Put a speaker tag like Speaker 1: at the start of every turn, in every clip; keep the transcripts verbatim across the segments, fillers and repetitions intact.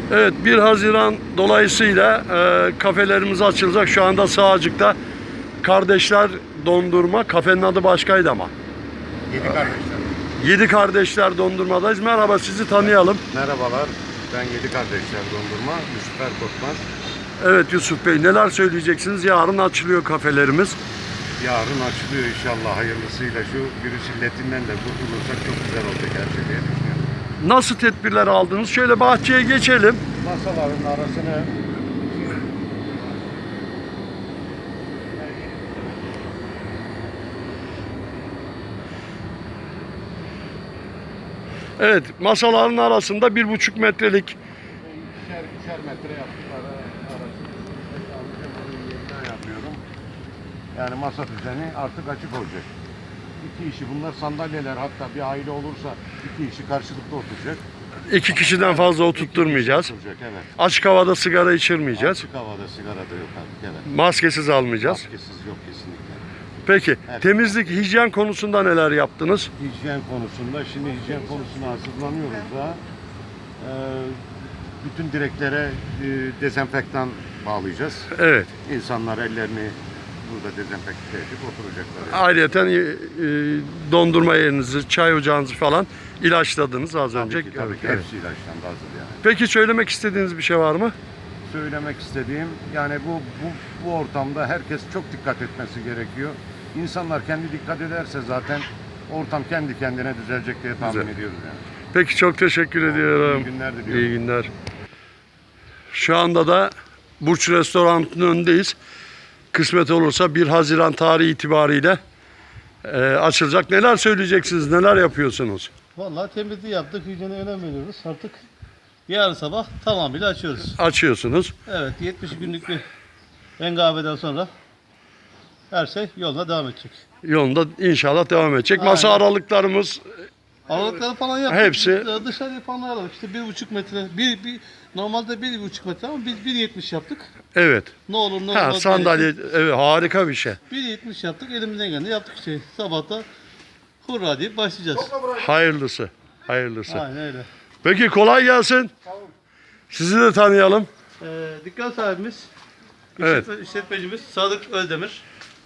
Speaker 1: Evet, bir Haziran dolayısıyla e, kafelerimiz açılacak. Şu anda Sağcık'ta Kardeşler Dondurma. Kafenin adı başkaydı ama.
Speaker 2: Yedi kardeşler.
Speaker 1: Yedi Kardeşler Dondurma'dayız. Merhaba, sizi tanıyalım.
Speaker 2: Merhabalar. Ben Yedi Kardeşler Dondurma. Yusuf Erkorkmaz.
Speaker 1: Evet Yusuf Bey, neler söyleyeceksiniz? Yarın açılıyor kafelerimiz.
Speaker 2: Yarın açılıyor inşallah hayırlısıyla. Şu virüs illetinden de kurtulursak çok güzel olacak her şey diye düşünüyorum.
Speaker 1: Nasıl tedbirler aldınız? Şöyle bahçeye geçelim.
Speaker 2: Masaların arasını
Speaker 1: Evet, masaların arasında bir buçuk metrelik.
Speaker 2: ikişer, ikişer metre yaptık. Ara, arasını yeniden yapıyorum. Yani masa düzeni artık açık olacak. İki işi bunlar sandalyeler, hatta bir aile olursa iki işi karşılıklı oturacak.
Speaker 1: İki kişiden fazla oturtturmayacağız.
Speaker 2: Oturacak, evet.
Speaker 1: Açık havada sigara içirmeyeceğiz.
Speaker 2: Açık havada sigara da yok artık, evet.
Speaker 1: Maskesiz almayacağız.
Speaker 2: Maskesiz yok kesinlikle.
Speaker 1: Peki,
Speaker 2: Evet.
Speaker 1: temizlik, hijyen konusunda neler yaptınız?
Speaker 2: Hijyen konusunda, şimdi hijyen konusuna hazırlanıyoruz da ee, bütün direklere e, dezenfektan bağlayacağız.
Speaker 1: Evet.
Speaker 2: İnsanlar ellerini burada dezenfekte edip oturacaklar. Yani.
Speaker 1: Ayrıyeten e, e, dondurma yerinizi, çay ocağınızı falan ilaçladınız az önce.
Speaker 2: Tabii ki, tabii ki.
Speaker 1: Evet.
Speaker 2: Hepsi ilaçlandı, hazır yani.
Speaker 1: Peki söylemek istediğiniz bir şey var mı?
Speaker 2: Söylemek istediğim, yani bu, bu, bu ortamda herkes çok dikkat etmesi gerekiyor. İnsanlar kendi dikkat ederse zaten ortam kendi kendine düzelecek diye tahmin
Speaker 1: Güzel.
Speaker 2: ediyoruz yani.
Speaker 1: Peki çok teşekkür ediyorum.
Speaker 2: İyi günler diliyorum.
Speaker 1: İyi günler. Şu anda da Burç Restoran'ın önündeyiz. Kısmet olursa bir Haziran tarihi itibariyle e, açılacak. Neler söyleyeceksiniz? Neler yapıyorsunuz?
Speaker 3: Vallahi temizliği yaptık, hijyene önem veriyoruz. Artık yarın sabah tamamıyla açıyoruz.
Speaker 1: Açıyorsunuz.
Speaker 3: Evet, yetmiş günlük bir engabeden sonra her şey yoluna devam edecek.
Speaker 1: Yolunda inşallah devam edecek. Masa
Speaker 3: Aynen.
Speaker 1: aralıklarımız
Speaker 3: Aralıkları falan yaptık.
Speaker 1: Hepsi-
Speaker 3: Biz dışarıya falan ayarladık. İşte bir buçuk metre, bir, bir, normalde bir buçuk metre ama biz bir yetmiş yaptık.
Speaker 1: evet.
Speaker 3: Ne olur ne
Speaker 1: Ha,
Speaker 3: olmaz.
Speaker 1: sandalye evet, harika bir şey.
Speaker 3: bir yetmiş yaptık, elimizden geleni yaptık işte. Sabahta hurra deyip başlayacağız.
Speaker 1: Hayırlısı. Hayırlısı.
Speaker 3: Aynen öyle.
Speaker 1: Peki kolay gelsin. Sizi de tanıyalım.
Speaker 3: Ee, dükkan sahibimiz,
Speaker 1: Evet.
Speaker 3: işletme- işletmecimiz Sadık Özdemir.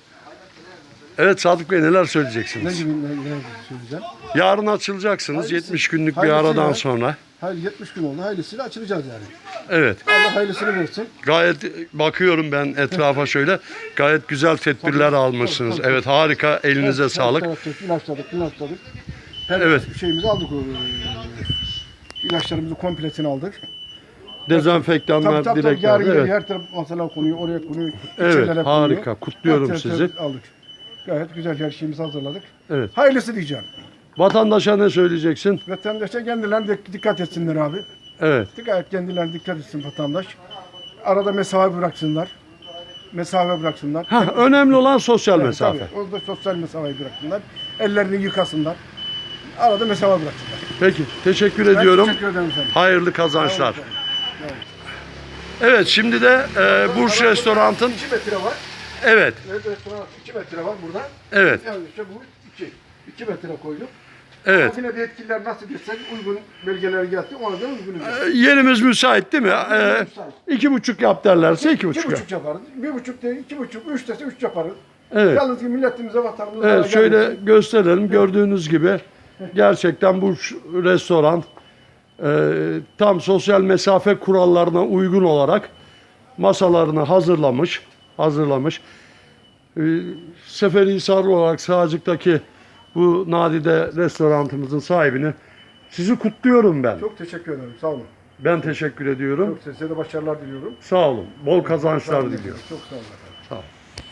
Speaker 1: Evet Sadık Bey neler söyleyeceksiniz?
Speaker 4: Ne gibi ne, ne söyleyeceğim?
Speaker 1: Yarın açılacaksınız
Speaker 4: Hayırlısı.
Speaker 1: yetmiş günlük bir
Speaker 4: Hayırlısıyla.
Speaker 1: aradan sonra.
Speaker 4: Hayır yetmiş gün oldu. Hayırlısıyla açılacağız yani.
Speaker 1: Evet.
Speaker 4: Allah hayırlısını versin.
Speaker 1: Gayet bakıyorum ben etrafa şöyle. Gayet güzel tedbirler almışsınız.
Speaker 4: tabii, tabii.
Speaker 1: Evet harika. Elinize
Speaker 4: Evet,
Speaker 1: sağlık.
Speaker 4: evet, evet, İlaçladık, ilaçladık. Her
Speaker 1: Evet.
Speaker 4: şeyimizi aldık. o, e, İlaçlarımızı kompletini aldık.
Speaker 1: Dezenfektanlar,
Speaker 4: Tabii tabii, tabii
Speaker 1: direkler.
Speaker 4: yarın
Speaker 1: Evet.
Speaker 4: her taraf masalar konuyor, oraya konuyor.
Speaker 1: Evet,
Speaker 4: içerilere
Speaker 1: harika.
Speaker 4: konuyor.
Speaker 1: Kutluyorum
Speaker 4: Her tarafı
Speaker 1: sizi.
Speaker 4: Aldık. Gayet güzel her şeyimizi hazırladık.
Speaker 1: Evet.
Speaker 4: Hayırlısı diyeceğim.
Speaker 1: Vatandaşa ne söyleyeceksin?
Speaker 4: Vatandaşa kendilerine de dikkat etsinler abi.
Speaker 1: Evet.
Speaker 4: Gayet kendilerine dikkat etsin vatandaş. Arada mesafe bıraksınlar. Mesafe bıraksınlar.
Speaker 1: Ha, önemli olan sosyal
Speaker 4: Evet,
Speaker 1: mesafe.
Speaker 4: tabii. Orada sosyal mesafeyi bıraksınlar. Ellerini yıkasınlar. Arada mesafe bıraksınlar.
Speaker 1: Peki, teşekkür
Speaker 4: Ben
Speaker 1: ediyorum.
Speaker 4: teşekkür ederim efendim.
Speaker 1: Hayırlı kazançlar.
Speaker 4: Sağ olun efendim.
Speaker 1: Evet, şimdi de e, Burç Restorant'ın
Speaker 4: iki metre var.
Speaker 1: evet,
Speaker 4: Evet, restoran iki metre var burada.
Speaker 1: evet,
Speaker 4: Yani işte bu iki. iki metre koyduk.
Speaker 1: evet.
Speaker 4: Yine de yetkililer nasıl desek uygun belgeleri geldi. Ona göre uygun.
Speaker 1: E, Yerimiz müsait değil mi? E, iki buçuk yap derlerse iki buçuk
Speaker 4: İki
Speaker 1: yap.
Speaker 4: buçuk yaparız. Bir buçuk değil, iki buçuk, üç dese üç yaparız.
Speaker 1: Evet.
Speaker 4: Yalnız ki milletimize, vatanımıza
Speaker 1: Evet,
Speaker 4: zarar
Speaker 1: şöyle
Speaker 4: gelmesin.
Speaker 1: gösterelim. Gördüğünüz gibi gerçekten bu restoran e, tam sosyal mesafe kurallarına uygun olarak masalarını hazırlamış, hazırlamış. E, Seferihisarlı olarak Sağcık'taki bu nadide restoranımızın sahibini sizi kutluyorum ben.
Speaker 4: Çok teşekkür ederim. Sağ olun.
Speaker 1: Ben teşekkür ediyorum.
Speaker 4: Çok size de başarılar diliyorum.
Speaker 1: Sağ olun. Bol kazançlar diliyorum.
Speaker 4: Çok sağ olun efendim.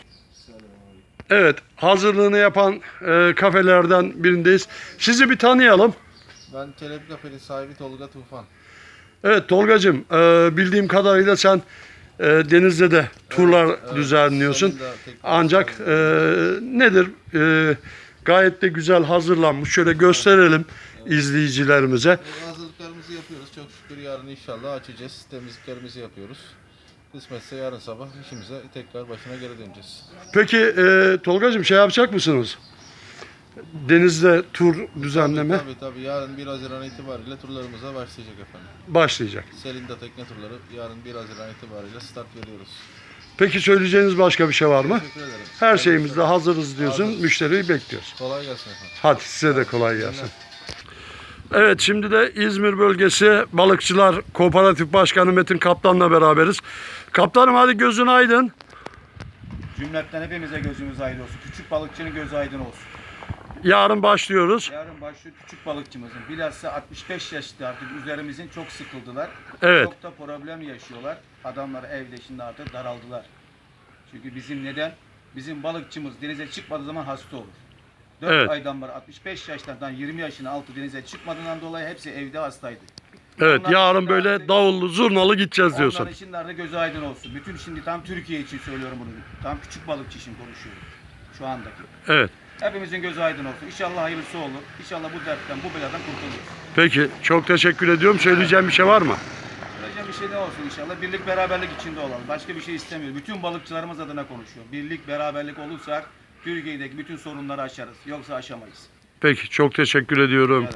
Speaker 1: Evet, hazırlığını yapan e, kafelerden birindeyiz. Sizi bir tanıyalım.
Speaker 5: Ben Çelebi Kafeli sahibi Tolga Tufan.
Speaker 1: Evet Tolgacığım, e, bildiğim kadarıyla sen e, denizde de turlar
Speaker 5: evet,
Speaker 1: düzenliyorsun.
Speaker 5: Sarı'nda tekne
Speaker 1: Ancak e, nedir? E, gayet de güzel hazırlanmış. Şöyle gösterelim izleyicilerimize.
Speaker 5: Bu hazırlıklarımızı yapıyoruz. Çok şükür yarın inşallah açacağız. Temizliklerimizi yapıyoruz. Kısmetse yarın sabah işimize tekrar başına geri döneceğiz.
Speaker 1: Peki e, Tolgacığım şey yapacak mısınız? denizde tur düzenleme
Speaker 5: Tabii tabii. Yarın bir Haziran itibariyle turlarımıza başlayacak efendim.
Speaker 1: başlayacak.
Speaker 5: Selinda tekne turları yarın bir Haziran itibariyle start veriyoruz.
Speaker 1: Peki söyleyeceğiniz başka bir şey var mı?
Speaker 5: Teşekkür ederim.
Speaker 1: Her
Speaker 5: Hayırlı
Speaker 1: şeyimizde
Speaker 5: işler.
Speaker 1: hazırız diyorsun.
Speaker 5: Hazırız.
Speaker 1: Müşteriyi bekliyoruz.
Speaker 5: Kolay gelsin efendim.
Speaker 1: Hadi size de kolay gelsin. Evet, şimdi de İzmir Bölgesi Balıkçılar Kooperatif Başkanı Metin Kaptan'la beraberiz. Kaptanım hadi gözün aydın.
Speaker 6: Cümletten hepimize gözümüz aydın olsun. Küçük balıkçının gözü aydın olsun.
Speaker 1: Yarın başlıyoruz.
Speaker 6: Yarın başlıyor küçük balıkçımızın. Bilhassa altmış beş yaşlı artık üzerimizin çok sıkıldılar.
Speaker 1: Evet.
Speaker 6: Çok da problem yaşıyorlar. Adamlar evde şimdi artık daraldılar. Çünkü bizim neden? Bizim balıkçımız denize çıkmadığı zaman hasta olur. dört
Speaker 1: Evet.
Speaker 6: aydan beri altmış beş yaşlardan yirmi yaşına altı denize çıkmadığından dolayı hepsi evde hastaydı.
Speaker 1: Evet,
Speaker 6: Onların
Speaker 1: yarın
Speaker 6: için
Speaker 1: böyle
Speaker 6: artık-
Speaker 1: davullu zurnalı gideceğiz diyorsun.
Speaker 6: Onların için de artık gözü aydın olsun. Bütün şimdi tam Türkiye için söylüyorum bunu. Tam küçük balıkçı için konuşuyorum. Şu andaki.
Speaker 1: Evet.
Speaker 6: Hepimizin gözü aydın olsun. İnşallah hayırlısı olur. İnşallah bu dertten, bu beladan kurtuluruz.
Speaker 1: Peki, çok teşekkür ediyorum. Söyleyeceğim bir şey var mı?
Speaker 6: Söyleyeceğim bir şey ne olsun inşallah. Birlik, beraberlik içinde olalım. Başka bir şey istemiyoruz. Bütün balıkçılarımız adına konuşuyor. Birlik, beraberlik olursak Türkiye'deki bütün sorunları aşarız. Yoksa aşamayız.
Speaker 1: Peki, çok teşekkür ediyorum.